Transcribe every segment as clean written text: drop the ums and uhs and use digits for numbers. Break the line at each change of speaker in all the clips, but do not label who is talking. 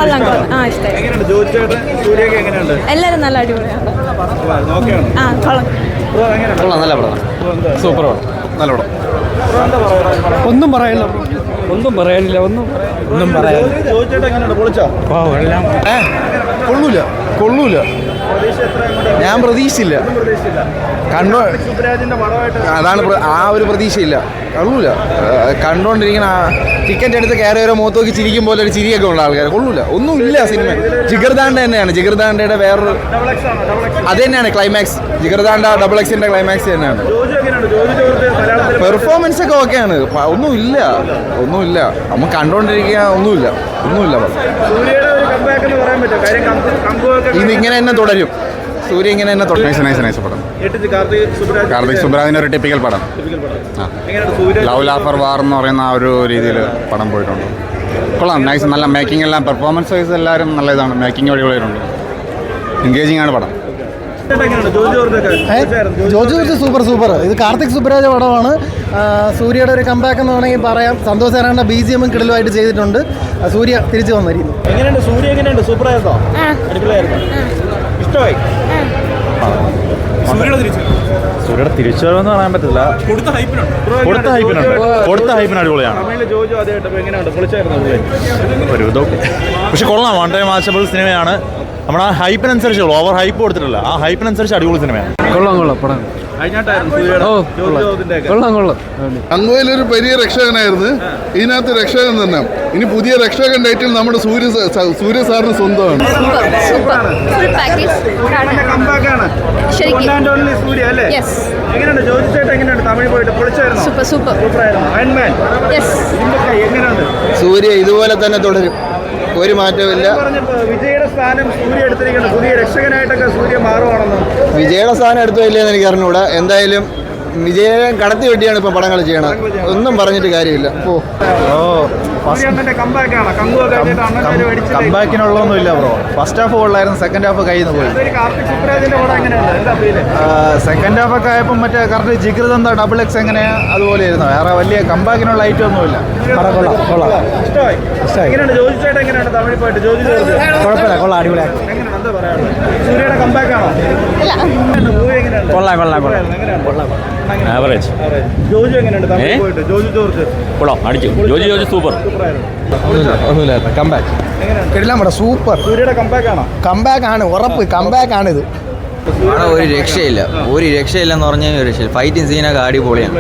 എല്ലാവരും നല്ല അടിപൊളിയാണ്.
നല്ല പടം, സൂപ്പർ പടം, നല്ല പടം.
ഒന്നും പറയാനില്ല, ഒന്നും പറയാനില്ല.
കൊള്ളൂല. ഞാൻ പ്രതീക്ഷിച്ചില്ല. അതാണ് ആ ഒരു പ്രതീക്ഷയില്ല. കൊള്ളൂല. കണ്ടോണ്ടിരിക്കണ ടിക്കറ്റ് എടുത്ത് കയറി വരെ മുഖത്ത് നോക്കി ചിരിക്കും പോലെ ഒരു ചിരിയൊക്കെ ഉള്ള ആൾക്കാർ. കൊള്ളൂല, ഒന്നുമില്ല സിനിമ. ജിഗർദാണ്ട തന്നെയാണ്, ജിഗർദാണ്ടയുടെ വേറൊരു അത് തന്നെയാണ് ക്ലൈമാക്സ്. ജിഗർദാണ്ട XX ക്ലൈമാക്സ് തന്നെയാണ്. പെർഫോമൻസ് ഒക്കെ ഓക്കെയാണ്. ഒന്നുമില്ല. നമുക്ക് കണ്ടോണ്ടിരിക്കുക ഒന്നുമില്ല. ഇതിങ്ങനെ തന്നെ തുടരും. സൂര്യ ഇങ്ങനെ തന്നെ തുടരും. പടം കാർത്തിക് സുബ്രാജിന്റെ ഒരു ടിപ്പിക്കൽ പടം. ലവ് ലാഫർ വാർ എന്ന് പറയുന്ന ആ ഒരു രീതിയിൽ പടം പോയിട്ടുണ്ട്. കൊള്ളാം, നൈസ്. നല്ല മേക്കിംഗ് എല്ലാം, പെർഫോമൻസ് വൈസ് എല്ലാവരും നല്ല ഇതാണ്. മേക്കിംഗ് അടിപൊളിയായിട്ടുണ്ട്. എൻഗേജിങ് ആണ് പടം.
George super. ഇത് കാർത്തിക് സുബ്രാജ് പടമാണ്. സൂര്യയുടെ ഒരു കംബാക്ക് എന്ന് വേണമെങ്കിൽ പറയാം. സന്തോഷ് നാരായണ BGM കിടലുമായിട്ട് ചെയ്തിട്ടുണ്ട്. സൂര്യ തിരിച്ചു വന്നിരിക്കുന്നു.
സൂര്യയുടെ തിരിച്ചുവരവെന്ന് പറയാൻ പറ്റില്ല. കൊടുത്ത ഹൈപ്പിന് അടിപൊളിയാണ്. ഒരു ഇതൊക്കെ പക്ഷെ കൊള്ളാം. വൺ ടൈം വാച്ചബിൾ സിനിമയാണ്. നമ്മുടെ ആ ഹൈപ്പിനനുസരിച്ച്, ഓവർ ഹൈപ്പ് കൊടുത്തിട്ടില്ല. ആ ഹൈപ്പിനനുസരിച്ച് അടിപൊളി സിനിമയാണ്.
കൊള്ളാം പടം.
അങ്ങോയിലൊരു വലിയ രക്ഷകനായിരുന്നു. ഇതിനകത്ത് രക്ഷകൻ തന്നെ. ഇനി പുതിയ രക്ഷകൻ ടൈറ്റിൽ നമ്മുടെ സൂര്യ സാറിന് സ്വന്തമാണ്.
സൂര്യ ഇതുപോലെ തന്നെ തുടരും, ഒരു മാറ്റമില്ല.
വിജയുടെ സ്ഥാനം സൂര്യ എടുത്തിരിക്കുന്നത്. പുതിയ രക്ഷകനായിട്ടൊക്കെ സൂര്യ മാറുവാണെന്ന്.
വിജയുടെ സ്ഥാനം എടുത്തില്ലെന്ന് എനിക്ക് അറിഞ്ഞൂടാ. എന്തായാലും വിജയനെ കടത്തി വെട്ടിയാണ് ഇപ്പൊ പടങ്ങൾ ചെയ്യണത്. ഒന്നും പറഞ്ഞിട്ട് കാര്യമില്ല.
കമ്പാക്കിനുള്ളതൊന്നുമില്ല ബ്രോ. ഫസ്റ്റ് ഹാഫ് കൊള്ളായിരുന്നു, സെക്കൻഡ് ഹാഫ് കയ്യിൽ നിന്ന് പോയി. സെക്കൻഡ് ഹാഫ് ഒക്കെ ആയപ്പോൾ മറ്റേ കറക്റ്റ് ജിഗർദാണ്ട XX എങ്ങനെയാ അതുപോലെ ആയിരുന്നു. വേറെ വലിയ കമ്പാക്കിനുള്ള ഐറ്റം ഒന്നുമില്ല.
കൊള്ളാം, അടിപൊളിയാണ്.
ആവറേജ്. കൊള്ളാം, അടിച്ചു. George super.
സൂപ്പർ. കംബാക്ക് ആണ്, ഉറപ്പ് കംബാക്ക് ആണ് ഇത്.
ഒരു രക്ഷയില്ലെന്ന് പറഞ്ഞാൽ ഒരു രക്ഷയില്ല. ഫൈറ്റിംഗ് സീനൊക്കെ അടിപൊളിയാണ്.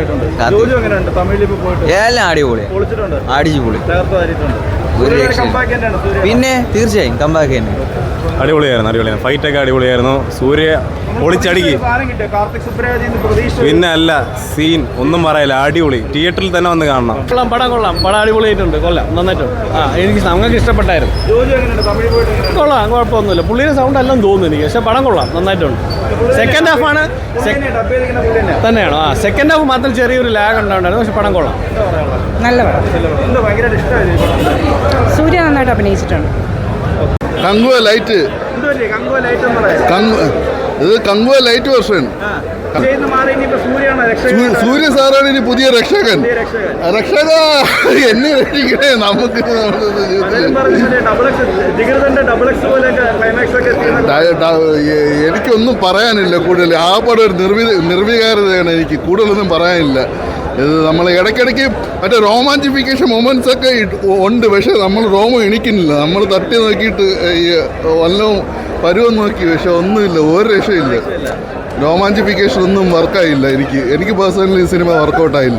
എല്ലാം അടിപൊളിയാണ്, അടിച്ചു പൊളി. ഒരു രക്ഷ പിന്നെ തീർച്ചയായും കമ്പാക്ക് തന്നെ.
അടിപൊളിയായിരുന്നു. ഫൈറ്റൊക്കെ അടിപൊളിയായിരുന്നു. സൂര്യ പൊളിച്ചടുക്കി. പിന്നെ അല്ല സീൻ ഒന്നും പറയില്ല, അടിപൊളി. തിയേറ്ററിൽ തന്നെ വന്ന് കാണണം.
പടം അടിപൊളിയായിട്ടുണ്ട്. നന്നായിട്ടുണ്ട്. എനിക്ക് നമുക്ക് ഇഷ്ടപ്പെട്ടായിരുന്നു. കൊള്ളാം, കുഴപ്പമൊന്നുമില്ല. പുള്ളിയുടെ സൗണ്ട് എല്ലാം തോന്നുന്നു എനിക്ക്. പക്ഷെ പടം കൊള്ളാം, നന്നായിട്ടുണ്ട്. സെക്കൻഡ് ഹാഫ് ആണ് തന്നെയാണോ? സെക്കൻഡ് ഹാഫ് മാത്രം ചെറിയൊരു ലാഗ് ഉണ്ടായിരുന്നു. പക്ഷെ പടം കൊള്ളാം,
നല്ല പടം. സൂര്യ നന്നായിട്ട് അഭിനയിച്ചിട്ടുണ്ട്.
Kanguva light version. സൂര്യ സാറാണ് ഇനി പുതിയ രക്ഷകൻ. എന്നെ രക്ഷിക്കണേ. നമുക്ക് എനിക്കൊന്നും പറയാനില്ല കൂടുതൽ. ആ പടം ഒരു നിർവികാരതയാണ്. എനിക്ക് കൂടുതലൊന്നും പറയാനില്ല. ഇത് നമ്മൾ ഇടയ്ക്കിടയ്ക്ക് മറ്റേ റോമാൻറ്റിഫിക്കേഷൻ മൊമെൻറ്റ്സ് ഒക്കെ ഉണ്ട്. പക്ഷേ നമ്മൾ റോമം എണിക്കുന്നില്ല. നമ്മൾ തട്ടി നോക്കിയിട്ട് വല്ലതും പരുവം നോക്കി. പക്ഷെ ഒന്നുമില്ല, ഒരു രക്ഷയില്ല. റൊമാൻറ്റിഫിക്കേഷൻ ഒന്നും വർക്കായില്ല. എനിക്ക് പേഴ്സണലി ഈ സിനിമ വർക്കൗട്ടായില്ല.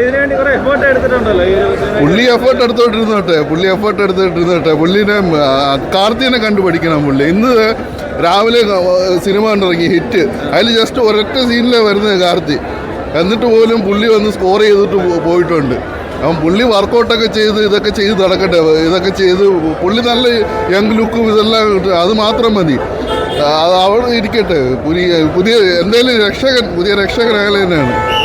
പുള്ളി എഫേർട്ട് എടുത്തോണ്ടിരുന്നോട്ടെ. പുള്ളിനെ കാർത്തിനെ കണ്ടുപഠിക്കണം. പുള്ളി ഇന്ന് രാവിലെ സിനിമ കണ്ടിറങ്ങി ഹിറ്റ്. അതിൽ ജസ്റ്റ് ഒരൊറ്റ സീനിലാണ് വരുന്നത് കാർത്തി. എന്നിട്ട് പോലും പുള്ളി വന്ന് സ്കോർ ചെയ്തിട്ട് പോയിട്ടുണ്ട്. അപ്പം പുള്ളി വർക്കൗട്ടൊക്കെ ചെയ്ത് ഇതൊക്കെ ചെയ്ത് നടക്കട്ടെ. ഇതൊക്കെ ചെയ്ത് പുള്ളി നല്ല യങ് ലുക്കും ഇതെല്ലാം അത് മാത്രം മതി. അവിടെ ഇരിക്കട്ടെ. പുതിയ എന്തെങ്കിലും പുതിയ രക്ഷകനായാലും തന്നെയാണ്.